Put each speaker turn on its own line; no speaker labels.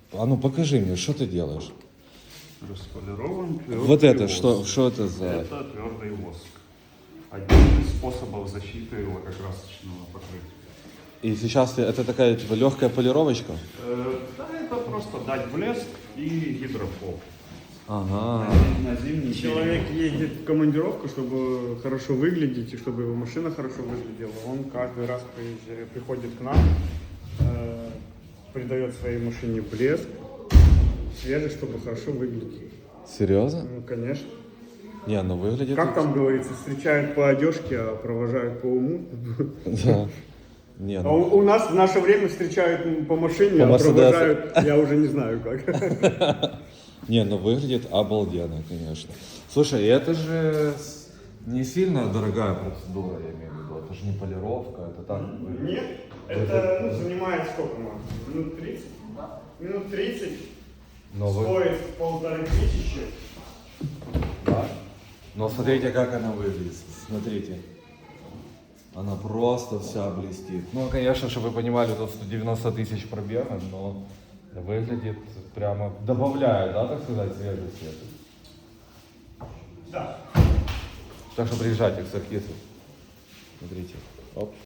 А ну покажи мне, что ты делаешь?
Располирован твердый
Вот это,
воск.
что это за...
Это твердый воск. Один из способов защиты лакокрасочного покрытия.
И сейчас это такая типа легкая полировочка?
Да, это просто дать блеск и гидрофоб.
Ага.
На зимний
Человек едет в командировку, чтобы хорошо выглядеть и чтобы его машина хорошо выглядела. Он каждый раз приходит к нам, придает своей машине блеск, свежесть, чтобы хорошо выглядеть.
Серьезно?
Ну, конечно.
Не, ну выглядит...
Как там говорится, встречают по одежке, а провожают по уму.
Да. Не,
А
ну...
у нас в наше время встречают по машине,
По
а
Мерседесу.
провожают, я уже не знаю как.
Не, ну выглядит обалденно, конечно. Слушай, это же не сильно дорогая процедура, я имею в виду. Это же не полировка, это так...
Нет, это занимает сколько, Марк? Минут 30? Минут 30.
Но вы...
Стоит 1500.
Да. Но смотрите, как она выглядит. Смотрите. Она просто вся блестит. Ну, конечно, чтобы вы понимали, тут 190 тысяч пробега, но выглядит прямо, добавляет, да, так сказать, свежести.
Да.
Так что приезжайте к Саркису. Смотрите. Оп.